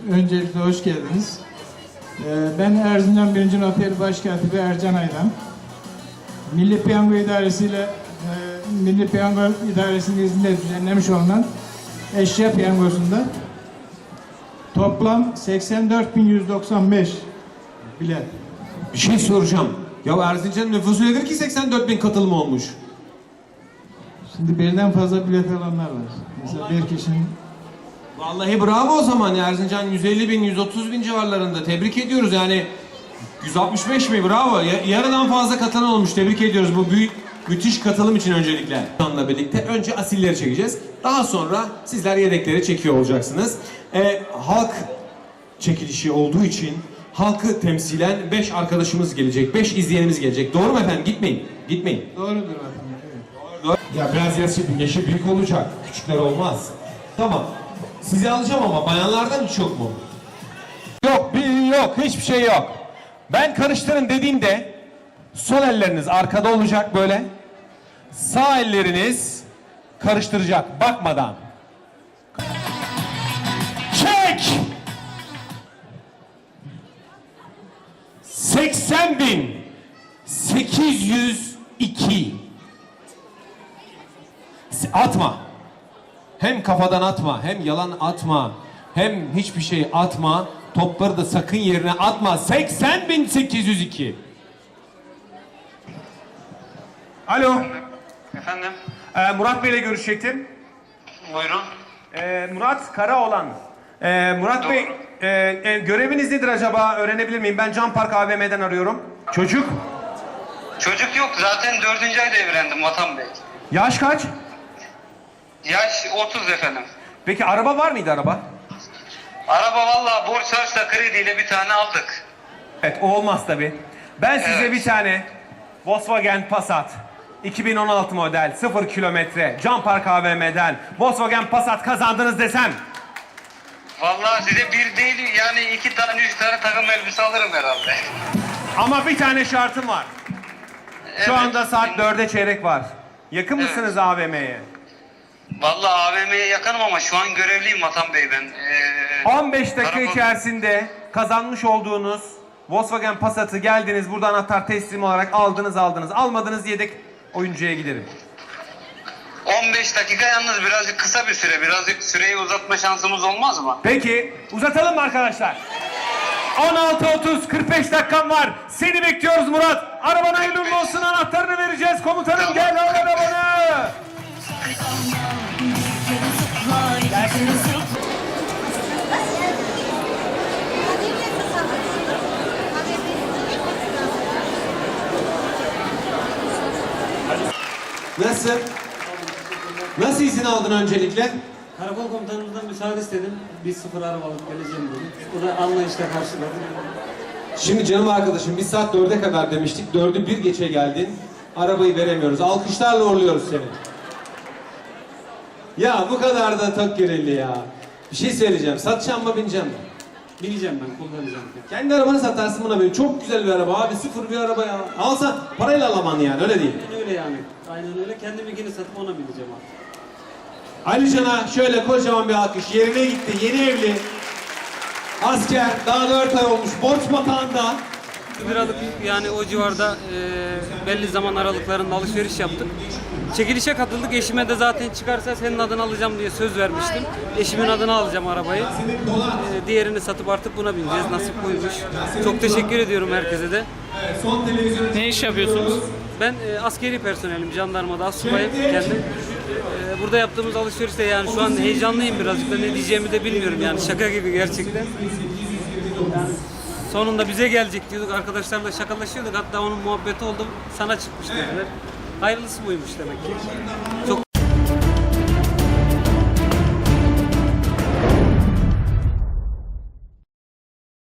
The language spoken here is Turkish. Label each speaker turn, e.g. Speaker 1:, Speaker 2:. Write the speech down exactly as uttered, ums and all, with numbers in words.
Speaker 1: öncelikle hoş geldiniz. Ee, ben Erzincan birinci Noteri Başkatibi Ercan Aydan. Milli Piyango İdaresi ile e, Milli Piyango İdaresi'nin izniyle düzenlemiş olunan eşya piyangosunda toplam seksen dört bin yüz doksan beş bilet.
Speaker 2: Bir şey soracağım. Ya Erzincan'ın nüfusu nedir ki seksen dört bin katılım olmuş?
Speaker 1: Şimdi birden fazla bilet alanlar var. Mesela bir kişinin...
Speaker 2: Vallahi bravo o zaman. Erzincan yüz elli bin, yüz otuz bin civarlarında. Tebrik ediyoruz yani. yüz altmış beş mi? Bravo. Yarıdan fazla katılan olmuş. Tebrik ediyoruz bu büyük, müthiş katılım için öncelikle. Onunla birlikte önce asilleri çekeceğiz. Daha sonra sizler yedekleri çekiyor olacaksınız. Ee, halk çekilişi olduğu için halkı temsilen beş arkadaşımız gelecek. beş izleyenimiz gelecek. Doğru mu efendim? Gitmeyin. Gitmeyin.
Speaker 1: Doğrudur efendim. Evet.
Speaker 2: Ya biraz yaşı, yaşı büyük olacak. Küçükler olmaz. Tamam. Sizi alacağım ama bayanlardan hiç yok mu? Yok, bir yok. Hiçbir şey yok. Ben karıştırın dediğimde sol elleriniz arkada olacak böyle. Sağ elleriniz karıştıracak bakmadan. Çek! seksen bin sekiz yüz iki. Atma. Hem kafadan atma, hem yalan atma, hem hiçbir şey atma. Topları da sakın yerine atma. seksen bin sekiz yüz iki. Alo.
Speaker 3: Efendim?
Speaker 2: Ee, Murat Bey'le görüşecektim.
Speaker 3: Buyurun.
Speaker 2: Ee, Murat Karaoğlan. Ee, Murat
Speaker 3: Doğru.
Speaker 2: Bey, e, e, göreviniz nedir acaba? Öğrenebilir miyim? Ben Can Park A V M'den arıyorum. Çocuk?
Speaker 3: Çocuk yok. Zaten dördüncü ayda evlendim Vatan Bey.
Speaker 2: Yaş kaç?
Speaker 3: Yaş otuz efendim.
Speaker 2: Peki araba var mıydı araba?
Speaker 3: Araba vallahi borç harçla krediyle bir tane aldık.
Speaker 2: Evet, o olmaz tabii. Ben size
Speaker 3: Evet.
Speaker 2: bir tane Volkswagen Passat iki bin on altı model sıfır kilometre Can Park A V M'den Volkswagen Passat kazandınız desem.
Speaker 3: Vallahi size bir değil yani iki tane üç tane takım elbise alırım herhalde.
Speaker 2: Ama bir tane şartım var. Şu
Speaker 3: Evet.
Speaker 2: anda saat dörde çeyrek var. Yakın
Speaker 3: Evet.
Speaker 2: mısınız A V M'ye?
Speaker 3: Vallahi A V M'ye yakınım ama şu an görevliyim Vatan Bey ben. Ee,
Speaker 2: on beş dakika
Speaker 3: karakol-
Speaker 2: içerisinde kazanmış olduğunuz Volkswagen Passat'ı geldiniz burada anahtar teslim olarak aldınız aldınız. Almadınız yedek oyuncuya giderim.
Speaker 3: on beş dakika yalnız birazcık kısa bir süre. Birazcık süreyi uzatma şansımız olmaz mı?
Speaker 2: Peki uzatalım mı arkadaşlar? on altı otuz kırk beş dakikam var. Seni bekliyoruz Murat. Araban hayırlı uğurlu olsun, anahtarını vereceğiz. Komutanım
Speaker 3: Tamam.
Speaker 2: gel al arabanı. Nasıl? Nasıl izin aldın öncelikle?
Speaker 4: Karakol komutanımızdan müsaade istedim. Bir sıfır araba alıp geleceğim dedim. O da anlayışla karşıladı.
Speaker 2: Şimdi canım arkadaşım biz saat dörde kadar demiştik. Dördü bir geçe geldin. Arabayı veremiyoruz. Alkışlarla uğurluyoruz seni. Ya bu kadar da tok göreli ya. Bir şey söyleyeceğim. Satacağım mı bineceğim mi?
Speaker 4: Bineceğim ben, kullanacağım.
Speaker 2: Kendi arabanı satarsın buna benim. Çok güzel bir araba abi. Sıfır bir araba ya. Alsan parayla alaman yani öyle değil.
Speaker 4: Aynen öyle yani. Aynen öyle. Kendiminkini satıp ona bineceğim artık.
Speaker 2: Ali Can'a şöyle kocaman bir alkış. Yerine gitti. Yeni evli. Asker. Daha dört ay olmuş. Borç batağında.
Speaker 4: Bir liralık yani o civarda e, belli zaman aralıklarında alışveriş yaptık. Çekilişe katıldık. Eşime de zaten çıkarsa senin adını alacağım diye söz vermiştim. Eşimin adını alacağım arabayı. E, diğerini satıp artık buna bineceğiz. Nasip buymuş. Çok teşekkür ediyorum herkese de.
Speaker 2: Son televizyon.
Speaker 5: Ne iş yapıyorsunuz?
Speaker 4: Ben e, askeri personelim. Jandarmada astsubayım kendim. E, burada yaptığımız alışverişte yani şu an heyecanlıyım birazcık da ne diyeceğimi de bilmiyorum yani şaka gibi gerçekten. Yani sonunda bize gelecek diyorduk, arkadaşlarla şakalaşıyorduk, hatta onun muhabbeti oldu, sana çıkmış dediler. Hayırlısı buymuş demek ki. Çok